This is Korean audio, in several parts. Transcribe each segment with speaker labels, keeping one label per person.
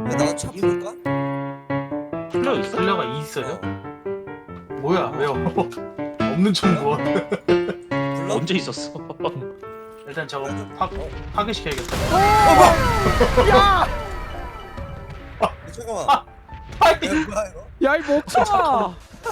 Speaker 1: 나도 차 부를까?
Speaker 2: 플레어 있어?
Speaker 3: 플레어가 있어요?
Speaker 1: 어.
Speaker 3: 뭐야 왜요? 없는 총 뭐?
Speaker 1: 불러?
Speaker 2: 언제 있었어?
Speaker 3: 일단 저거 파괴시켜야겠다.
Speaker 4: 야!
Speaker 1: 잠깐만.
Speaker 3: 아이
Speaker 1: 야, 뭐야 이거?
Speaker 4: 야, 이 목청아!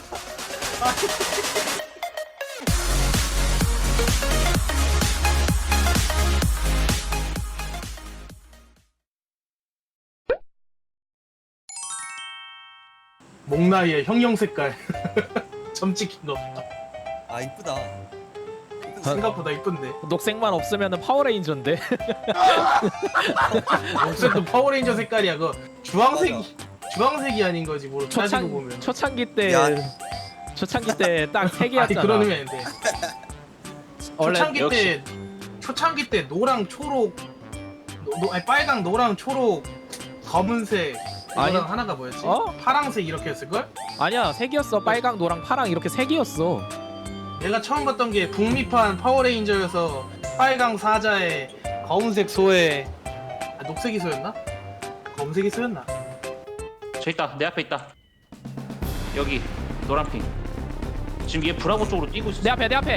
Speaker 3: 목나이의 형형 색깔 점 찍힌 거
Speaker 1: 아 이쁘다.
Speaker 3: 생각보다 이쁜데.
Speaker 4: 녹색만 없으면 파워레인저인데.
Speaker 3: 어쨌든 파워레인저 색깔이야. 그 주황색이 아닌 거지 뭐 따지고 보면.
Speaker 4: 초창기 때
Speaker 1: 야.
Speaker 4: 초창기 때 딱 세
Speaker 3: 아니
Speaker 4: 개였잖아.
Speaker 3: 그런 의미 아닌데.
Speaker 4: 원래
Speaker 3: 초창기 때 노랑 초록 아니 빨강 노랑 초록 검은색
Speaker 4: 아니.
Speaker 3: 이거랑 하나가 뭐였지?
Speaker 4: 어?
Speaker 3: 파랑색 이렇게 했을 걸?
Speaker 4: 아니야, 세 개였어. 빨강, 노랑, 파랑 이렇게 세 개였어.
Speaker 3: 내가 처음 봤던 게 북미판 파워레인저여서 빨강 사자에 검은색 소에 녹색이 소였나? 검색이 소였나?
Speaker 2: 저 있다. 내 앞에 있다. 여기 노란핑. 지금 얘 브라보 쪽으로 뛰고 있어.
Speaker 4: 내 앞에.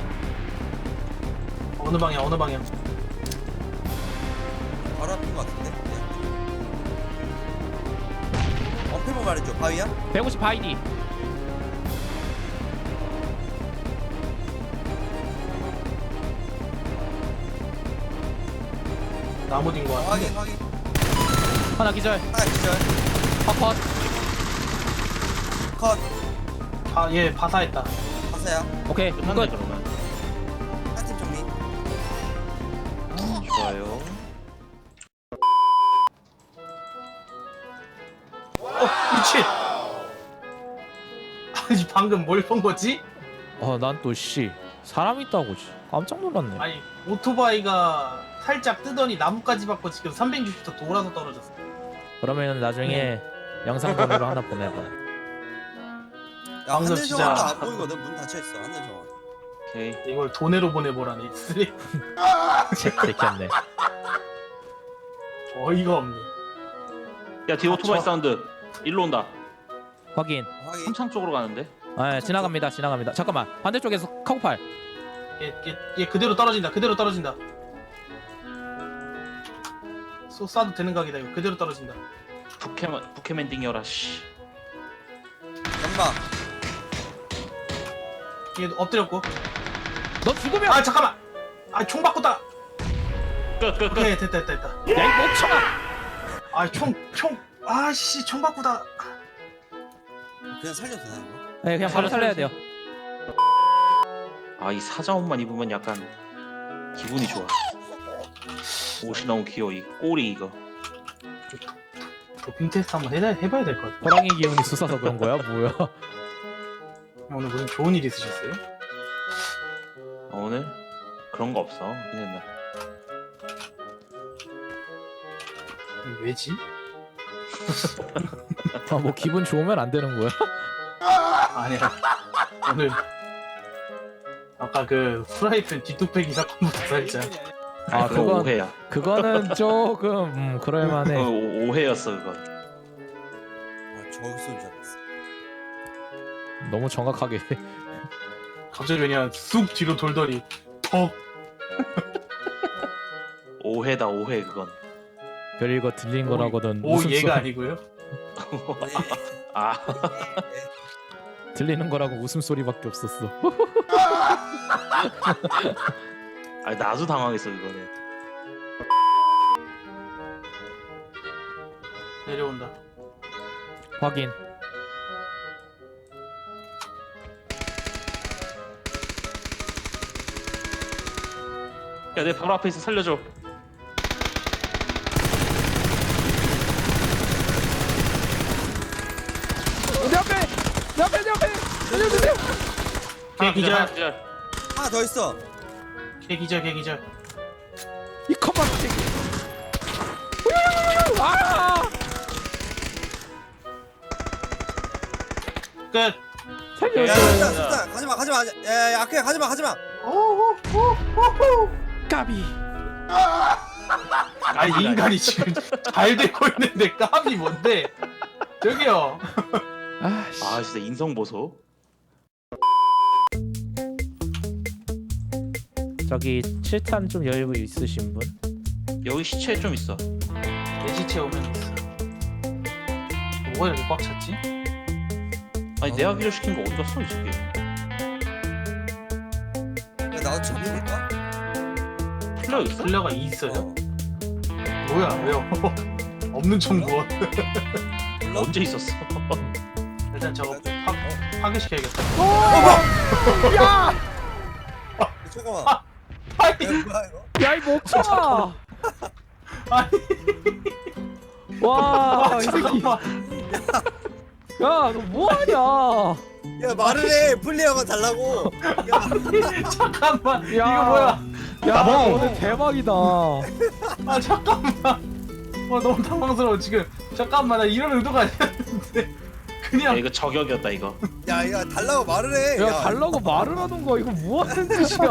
Speaker 3: 어느 방향 어느 방향?
Speaker 1: 바로 앞인 것 같은데. 어필만 말해줘. 바위야?
Speaker 4: 150 바이디.
Speaker 3: 나무 딘거 같아.
Speaker 1: 확인 확인.
Speaker 4: 하나 기절.
Speaker 1: 하나 기절.
Speaker 4: 컷.
Speaker 1: 컷.
Speaker 3: 아얘 바사했다.
Speaker 1: 가사야.
Speaker 4: 오케이.
Speaker 2: 끝났네
Speaker 4: 끝.
Speaker 2: 그러면.
Speaker 1: 한팀 정리.
Speaker 2: 좋아요.
Speaker 3: 미친. 아니 방금 뭘 본 거지?
Speaker 4: 난 또 씨. 사람 있다고 씨. 깜짝 놀랐네.
Speaker 3: 아니 오토바이가 살짝 뜨더니 나무까지 받고 지금 360도 돌아서 떨어졌어.
Speaker 4: 그러면 나중에 영상 번호로 하나 보내봐.
Speaker 1: 야
Speaker 3: 방금
Speaker 1: 하늘
Speaker 3: 진짜-
Speaker 1: 정원도 안 보이거든. 문 닫혀 있어. 하늘 정원.
Speaker 2: 오케이.
Speaker 3: 이걸 돈으로 보내보라니. 쓰레.
Speaker 4: 제켰네.
Speaker 3: 어이가 없네.
Speaker 2: 야 뒤에 오토바이
Speaker 3: 저-
Speaker 2: 사운드. 일로 온다.
Speaker 4: 확인.
Speaker 1: 확인.
Speaker 2: 삼창 쪽으로 가는데.
Speaker 4: 아, 지나갑니다. 잠깐만. 반대쪽에서 카고팔.
Speaker 3: 얘 그대로 떨어진다. 그대로 떨어진다. 쏴도 되는 각이다 이거. 그대로 떨어진다.
Speaker 2: 부캐맨 띵이어라 씨.
Speaker 1: 연막.
Speaker 3: 얘 엎드렸고.
Speaker 4: 너 죽으면
Speaker 3: 아 잠깐만. 아 총 바꿨다.
Speaker 2: 끝.
Speaker 3: 오케이 됐다.
Speaker 4: 야, 이 목청아.
Speaker 3: 아 총. 아씨 총 바꾸다.
Speaker 1: 그냥 살려도 되나 이거?
Speaker 4: 네, 그냥 바로 살려야 돼요.
Speaker 2: 아 이 사자 옷만 입으면 약간 기분이 좋아. 옷이 너무 귀여워. 이 꼬리 이거.
Speaker 3: 도핑 테스트 한번 해봐야 될 것 같아.
Speaker 4: 호랑이 기운이 솟아서 그런 거야? 뭐야?
Speaker 3: 오늘 무슨 좋은 일 있으셨어요?
Speaker 2: 오늘 그런 거 없어. 그냥
Speaker 3: 왜지?
Speaker 4: 뭐 기분 좋으면 안 되는 거야?
Speaker 3: 아니야. 오늘 아까 그 프라이팬 뒷뚝배기 사건부터 살짝.
Speaker 4: 아,
Speaker 2: 그거
Speaker 4: 그건
Speaker 2: 오해야.
Speaker 4: 그거는 조금 그럴만해.
Speaker 2: 오해였어 그거.
Speaker 1: 아 저기서 온줄 알았어.
Speaker 4: 너무 정확하게.
Speaker 3: 갑자기 그냥 쑥 뒤로 돌더니 턱.
Speaker 2: 오해다 오해 그건.
Speaker 4: 별이거 들린 거라거든.
Speaker 3: 오
Speaker 4: 웃음소리.
Speaker 3: 얘가 아니고요.
Speaker 2: 아
Speaker 4: 들리는 거라고 웃음소리밖에 없었어.
Speaker 2: 아니 나도 당황했어 그거는.
Speaker 3: 내려온다.
Speaker 4: 확인.
Speaker 2: 야 내 바로 앞에 있어 살려줘.
Speaker 4: 내 앞에. 살려주세요.
Speaker 3: 걔 기절.
Speaker 2: 하나 기절.
Speaker 1: 하나 더 있어.
Speaker 3: 걔 기절.
Speaker 4: 이 컵밥 새끼. 아!
Speaker 3: 끝.
Speaker 1: 야,
Speaker 4: 살려줘.
Speaker 1: 수단 가지마. 야, 아크야 가지마.
Speaker 3: 오호호호호.
Speaker 4: 까비.
Speaker 3: 아니 인간이 지금 잘 되고 있는데 깝이 뭔데? 저기요.
Speaker 4: 아씨.
Speaker 2: 아 진짜 인성 보소.
Speaker 4: 저기 7탄 좀 여유 있으신 분?
Speaker 2: 여기 시체 좀 있어.
Speaker 3: 내 시체 오면 있어. 뭐가 이렇게 꽉 찼지?
Speaker 2: 아니 내가 기절시킨 거 어디 갔어 이 새끼.
Speaker 1: 야 나도 잡힐까?
Speaker 2: 플레어 있어?
Speaker 3: 플레어가 있어요? 뭐야 왜요? 없는 총 무엇?
Speaker 1: 몰라?
Speaker 2: 언제 있었어?
Speaker 3: 일단 저거 파괴시켜야겠다.
Speaker 4: 야!
Speaker 1: 잠깐만.
Speaker 3: 아니
Speaker 1: 야 뭐야 이거?
Speaker 4: 야 이 멍청아!
Speaker 3: 아니
Speaker 4: 와, 이 새끼.
Speaker 3: 잠깐만.
Speaker 4: 야, 너 뭐하냐?
Speaker 1: 야 말을 해. 플레이어가 달라고. 야
Speaker 3: 잠깐만.
Speaker 4: 야.
Speaker 3: 이거 뭐야?
Speaker 4: 야,
Speaker 3: 나봉.
Speaker 4: 오늘 대박이다.
Speaker 3: 아 잠깐만. 너무 당황스러워 지금. 잠깐만 나 이런 의도가 아니었는데
Speaker 2: 야,
Speaker 3: 그냥
Speaker 2: 이거 저격이었다 이거.
Speaker 1: 야 달라고 말을 해.
Speaker 4: 야, 달라고 말을 하는 거야. 이거 뭐 하는 짓이야?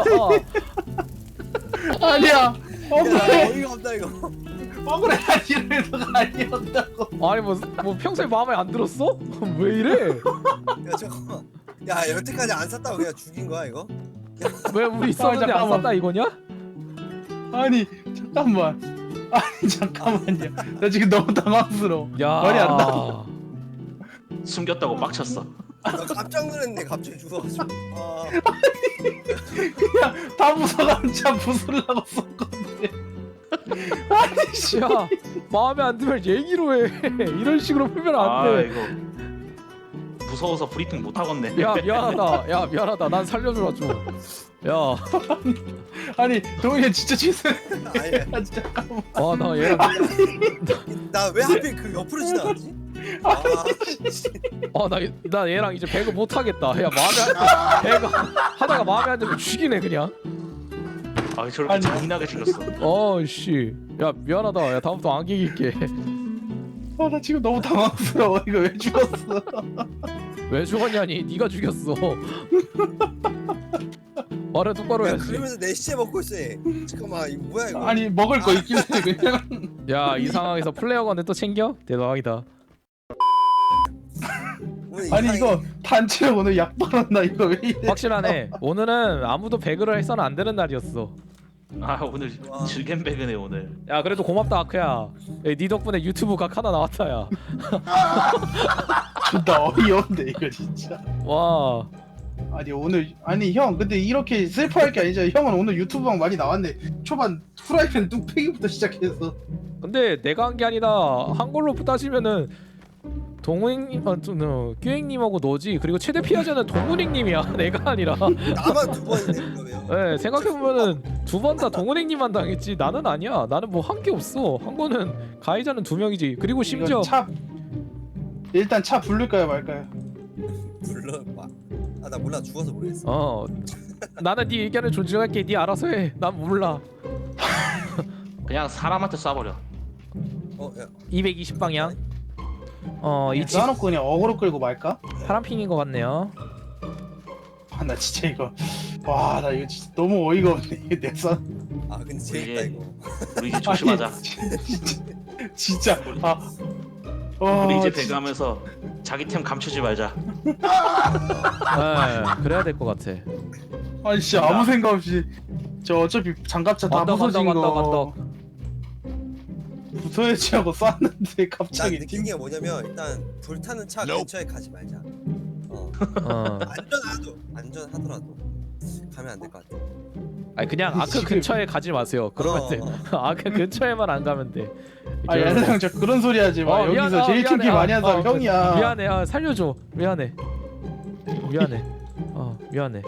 Speaker 3: 아니야.
Speaker 1: 야
Speaker 3: 억울해.
Speaker 1: 어이가 없다 이거.
Speaker 3: 억울해. 이런 의도가 아니었다고.
Speaker 4: 아니 뭐 평소에 마음에 안 들었어? 왜 이래?
Speaker 1: 야 잠깐만. 야 여태까지 안 샀다고 그냥 죽인 거야 이거?
Speaker 4: 왜 우리 있었는데 안
Speaker 3: 잠깐만.
Speaker 4: 샀다 이거냐?
Speaker 3: 아니 잠깐만. 아니 잠깐만요. 나 지금 너무 당황스러워.
Speaker 4: 야,
Speaker 3: 말이 안 나와.
Speaker 2: 숨겼다고 빡쳤어.
Speaker 1: 나 깜짝 놀랐네 갑자기 죽어가지고. 아
Speaker 3: 그냥 다 부숴가지고 부수려고 썼건데. 아니 씨.
Speaker 4: 야, 마음에 안 들면 얘기로 해. 이런 식으로 풀면 안
Speaker 2: 아
Speaker 4: 돼.
Speaker 2: 이거 무서워서 브리핑 못 하겠네.
Speaker 4: 야, 미안하다. 야, 미안하다. 난 살려주라 좀. 야,
Speaker 3: 아니 동현 진짜 취소해.
Speaker 1: 아니
Speaker 3: 아 잠깐만.
Speaker 4: 와, 나 얘랑
Speaker 1: 나 왜 하필 그 옆으로 지나갔지?
Speaker 4: 나 얘랑 이제 배그 못 하겠다. 야, 배그 하다가 마음에 안 들면 죽이네 그냥.
Speaker 2: 아 저렇게
Speaker 3: 아니.
Speaker 2: 잔인하게 죽였어.
Speaker 4: 어씨, 야 미안하다. 야 다음부터 안 이길게.
Speaker 3: 나 지금 너무 당황스러워. 이거 왜 죽었어?
Speaker 4: 왜 죽었냐니? 네가 죽였어. 말을 똑바로
Speaker 1: 야
Speaker 4: 해야지.
Speaker 1: 그러면서 내 시체 먹고 있어 얘. 잠깐만 이거 뭐야 이거?
Speaker 3: 아니 먹을 거 있길래 그냥.
Speaker 4: 야, 이 상황에서 플레이어건데 또 챙겨? 대박이다.
Speaker 1: 오늘
Speaker 3: 아니
Speaker 1: 이상해.
Speaker 3: 이거 단체로 오늘 약 빨았나 이거 왜 이래?
Speaker 4: 확실하네. 오늘은 아무도 배그를 해서는 안 되는 날이었어.
Speaker 2: 아 오늘
Speaker 1: 와.
Speaker 2: 즐겜 배그네 오늘.
Speaker 4: 야, 그래도 고맙다 아크야. 야, 네 덕분에 유튜브 각 하나 나왔다 야.
Speaker 3: 존나 어이없네 이거 진짜.
Speaker 4: 와.
Speaker 3: 아니 오늘 아니 형 근데 이렇게 슬퍼할 게 아니잖아. 형은 오늘 유튜브방 많이 나왔네. 초반 프라이팬 뚝배기부터 시작해서.
Speaker 4: 근데 내가 한 게 아니라 한글로 따지면은 동훈님, 규행님하고 너지. 그리고 최대 피해자는 동훈행님이야. 내가 아니라.
Speaker 1: 나만 두 번이네 그러면.
Speaker 4: 네, 생각해보면은 두 번 다 동훈행님만 당했지. 나는 아니야. 나는 뭐 한 게 없어. 한 거는 가해자는 2명이지. 그리고 심지어
Speaker 3: 이거 차 일단 차 부를까요 말까요?
Speaker 1: 불러 봐. 아나 몰라 죽어서 모르겠어.
Speaker 4: 나는 네 의견을 존중할게. 네 알아서 해. 난 몰라.
Speaker 2: 그냥 사람한테 쏴버려.
Speaker 1: 야
Speaker 4: 220방향. 이 집
Speaker 3: 놔놓고 그냥 어그로 끌고 말까?
Speaker 4: 파란핑인 것 같네요.
Speaker 3: 아 나 진짜 이거 나 이거 진짜 너무 어이가 없네 이게 내 선.
Speaker 1: 아 근데 재밌다
Speaker 2: 이게-
Speaker 1: 이거.
Speaker 2: 우리 이제 조심하자.
Speaker 3: 아니, 진짜 와
Speaker 2: 우리 이제
Speaker 3: 진짜.
Speaker 2: 배그하면서 자기 템 감추지 말자.
Speaker 4: 네, 그래야 될 것 같아.
Speaker 3: 아니 진짜 아무 생각 없이 저 어차피 장갑차 다
Speaker 4: 언덕,
Speaker 3: 부서진
Speaker 4: 언덕,
Speaker 3: 거
Speaker 4: 언덕.
Speaker 3: 부서야지 하고 쐈는데
Speaker 1: 난
Speaker 3: 갑자기
Speaker 1: 느낀 게 뭐냐면 일단 불타는 차 근처에 가지 말자. 안전하더라도 가면 안 될 것 같아.
Speaker 4: 아니 그냥 아크
Speaker 3: 지금-
Speaker 4: 근처에 가지 마세요. 그러면 돼. 아크 근처에만 안 가면 돼.
Speaker 3: 아니 야상 저 그런 소리 하지 마. 여기서
Speaker 4: 미안해,
Speaker 3: 제일
Speaker 4: 미안해.
Speaker 3: 킬기 많이 한 사람 형이야.
Speaker 4: 미안해. 살려줘. 미안해. 미안해. 미안해.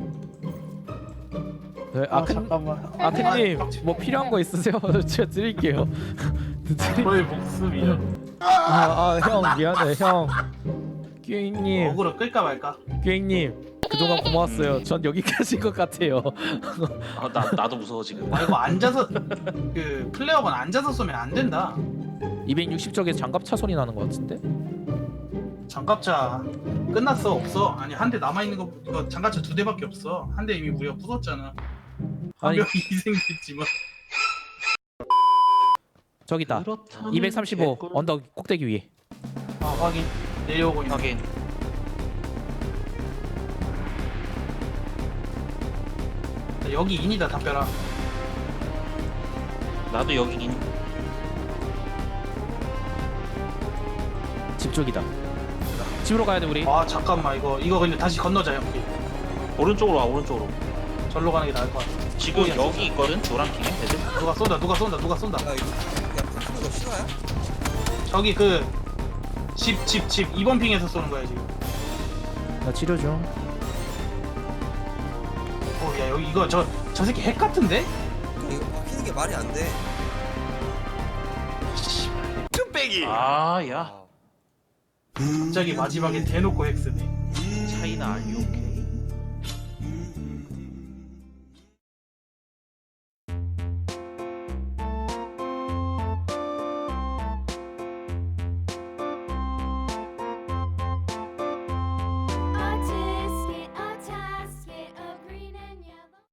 Speaker 4: 네,
Speaker 3: 잠깐만.
Speaker 4: 아크님 뭐 필요한 거 있으세요? 제가 드릴게요.
Speaker 3: 너의 목숨이야.
Speaker 4: 형 미안해 형. 규행님,
Speaker 3: 어그로 끌까 말까?
Speaker 4: 규행님 그동안 고마웠어요. 전 여기까지인 것 같아요.
Speaker 2: 나도 무서워 지금.
Speaker 3: 이거 앉아서 그 플레어건 앉아서 쏘면 안 된다.
Speaker 4: 260쪽에서 장갑차 소리 나는 것 같은데?
Speaker 3: 장갑차 끝났어 없어? 아니 한 대 남아 있는 거 이거 장갑차 2대밖에 없어. 한 대 이미 우리가 부쉈잖아. 한
Speaker 4: 아니-
Speaker 3: 명이 희생됐지만.
Speaker 4: 저기 있다.
Speaker 2: 그렇다면
Speaker 4: 235
Speaker 2: 개꿀.
Speaker 4: 언덕 꼭대기 위에.
Speaker 3: 아 확인. 내려오고 있네.
Speaker 2: 확인.
Speaker 3: 여기 인이다 담벼라.
Speaker 2: 나도 여기긴.
Speaker 4: 집 쪽이다. 집으로 가야 돼 우리.
Speaker 3: 아 잠깐만 이거 근데 다시 건너자 형님.
Speaker 2: 오른쪽으로 와 오른쪽으로.
Speaker 3: 절로 가는 게 나을 것 같아.
Speaker 2: 지금
Speaker 3: 오야,
Speaker 2: 여기 있거든 노란핑에 애들.
Speaker 3: 누가 쏜다.
Speaker 1: 야 이거 야 풀푸는 거 실화야?
Speaker 3: 저기 그 집 2번 핑에서 쏘는 거야 지금.
Speaker 4: 나 치료 중.
Speaker 3: 야 여기 이거 저 새끼 핵 같은데?
Speaker 1: 야, 이거 바뀌는 게 말이 안 돼.
Speaker 2: 아 야.
Speaker 1: 아.
Speaker 3: 갑자기 마지막에 대놓고 핵 쓰네.
Speaker 2: 차이나 알유 오케이.